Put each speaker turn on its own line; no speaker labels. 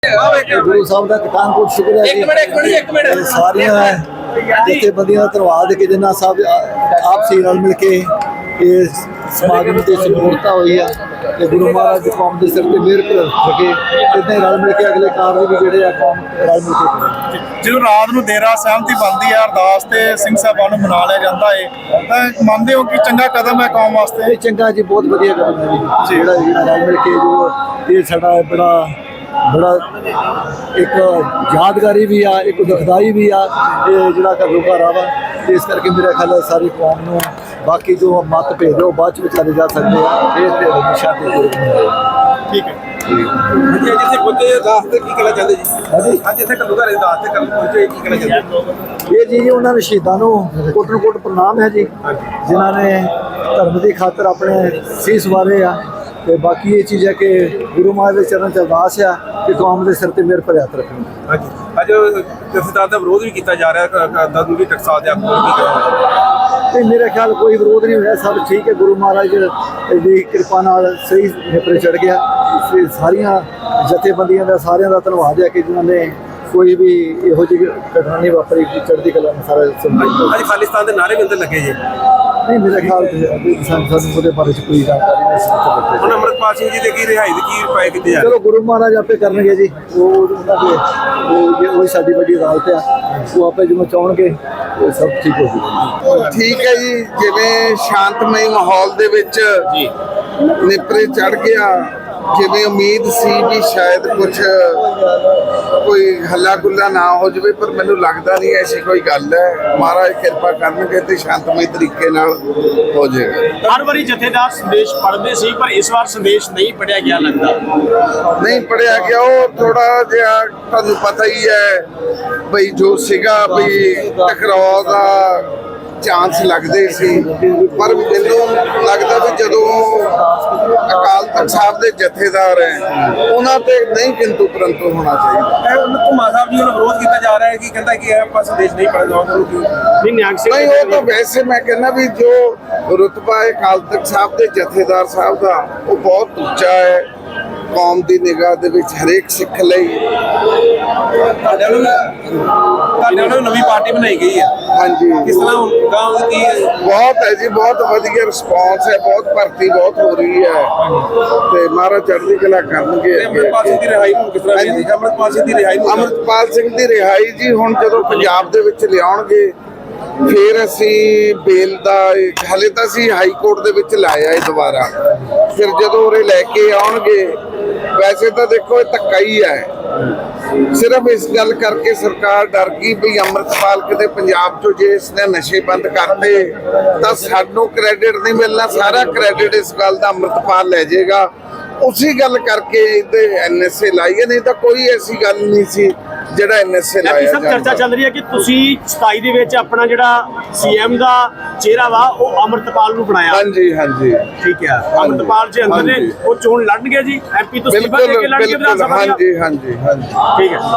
गुरु साहब का पठानकोट शुक्र है जी। सारिया जथेबंदियां का धन्यवाद कि जिन्ना साहब आपसी रल मिल के समागम की सफलता हुई है कि गुरु महाराज कौम के सिर पर मेहर रखे इदा ही रल मिल के अगले कार्य भी जोड़े कौम रल मिल के
जो रात को देर सहमति बनती है अरदास से सिंह साहबान मना लिया जाता है तो मानते हो कि चंगा कदम है कौम वास्ते?
चंगा जी, बहुत वधिया कदम है जी। रल मिल के जो ये साडा बड़ा एक यादगारी भी आ, एक दुखदाई भी आ, ये जोड़ा घरों वा इस करके मेरा ख्याल है सारी कौम को बाकी जो मत भेद है वो बाद विचारे जा सकते हैं। फिर भेद हमेशा
ठीक है
ये जी उन्होंने शहीदों को कोटन कोट प्रणाम है जी जिन्होंने धर्म की खातर अपने सीस वारे आ। तो बाकी ये चीज़ है कि गुरु महाराज के चरण च अरदास है कि कौम के सिर पर मेहर भर हथ रखना।
अज जथेदार का विरोध भी किया जा रहा है टकसाल
नहीं, मेरा ख्याल कोई विरोध नहीं होया, सब ठीक है। गुरु महाराज की कृपा नाल सही निपरे चढ़ गया। सारिया जथेबंदियों का सारिया का धन्यवाद है कि जिन्होंने कोई भी यहो जी घटना नहीं वापरी, चढ़ती कला में सारा
अज खालिस्तान के नारे भी अंदर लगे जी।
नहीं, मेरे ख्याल से बारे कोई जानकारी नहीं।
अमृतपाल सिंह जी की रिहाई की उपाय किए जा
चलो गुरु महाराज आपे करनगे जी, वो साडी बड़ी अदालत है, वो आपे जो चाहणगे सब ठीक हो जाएगा।
ठीक है जी, जिवें शांतमई माहौल दे विच निपरे चढ़ गया, जिवें उम्मीद सी भी शायद कुछ कोई हल्ला गुल्ला ना हो जाए, पर मैनूं लगदा नहीं ऐसी कोई गल है। महाराज कृपा करनगे ते शांतमई तरीके नाल हो जाएगा।
हर बारी जथेदार संदेश पढ़ते सी पर इस बार संदेश नहीं पढ़िया गया लगता।
नहीं पढ़िया गया, वो थोड़ा जिहा तुहानूं पता ही है बई जो सीगा बई टकराव का चांस लगते सी, पर मैनूं लगता भी जदों अकाल तख्त साहब के जथेदार हैं उन्हां ते नहीं किंतु परंतु होना चाहिए।
घुमा साहब जी ने विरोध किया जा रहा है कि कहता है कि आप संदेश नहीं पढ़ना
नहीं, वो तो वैसे मैं कहना भी जो रुतबा है अकाल तख्त साहब के जथेदार साहब का वो बहुत उच्चा है कौम की निगाह दे विच हरेक सिख लई।
नवी पार्टी बनाई गई है।
हाँ जी,
किस तरह गांव की
बहुत है जी, बहुत वधिया रिस्पॉन्स है, बहुत भर्ती बहुत हो रही है ते महाराज चढ़दी कला करनगे।
अमृतपाल सिंह की रिहाई हुण किस तरह दी? अमृतपाल सिंह की रिहाई
अमृतपाल सिंह की रिहाई जी हुण जदों पंजाब दे विच लिआउणगे फिर असी बेल का हाले तो असी हाई कोर्ट दे विच लाया है दोबारा, फिर जदों उरे लैके आउणगे वैसे तो देखो ये धक्का ही है। सिर्फ इस गल करके सरकार डर गई भी अमृतपाल किते पंजाब चो जे इसने नशे बंद करते तो सानू क्रेडिट नहीं मिलना, सारा क्रेडिट इस गल का अमृतपाल ले जाएगा। उसी गल करके NSA लाई है, नहीं तो कोई ऐसी गल नहीं सी ਜਿਹੜਾ NSA ਲਾਇਆ
ਜਾਂਦਾ। ਚਰਚਾ ਚੱਲ ਰਹੀ ਹੈ ਕਿ ਤੁਸੀਂ 27 ਦੇ ਵਿੱਚ ਆਪਣਾ ਜਿਹੜਾ CM ਦਾ ਚਿਹਰਾ ਵਾ ਉਹ ਅਮਰਤਪਾਲ ਨੂੰ ਬਣਾਇਆ।
ਹਾਂਜੀ ਹਾਂਜੀ
ਠੀਕ ਹੈ, ਅਮਰਤਪਾਲ ਜੀ ਅੰਦਰ ਨੇ ਉਹ ਚੋਣ ਲੜਨਗੇ ਜੀ, MP ਤੋਂ ਅਸਤੀਫਾ ਦੇ ਕੇ ਲੜਨਗੇ ਵਿਧਾਨ ਸਭਾ।
ਹਾਂਜੀ ਹਾਂਜੀ ਹਾਂਜੀ
ਠੀਕ ਹੈ।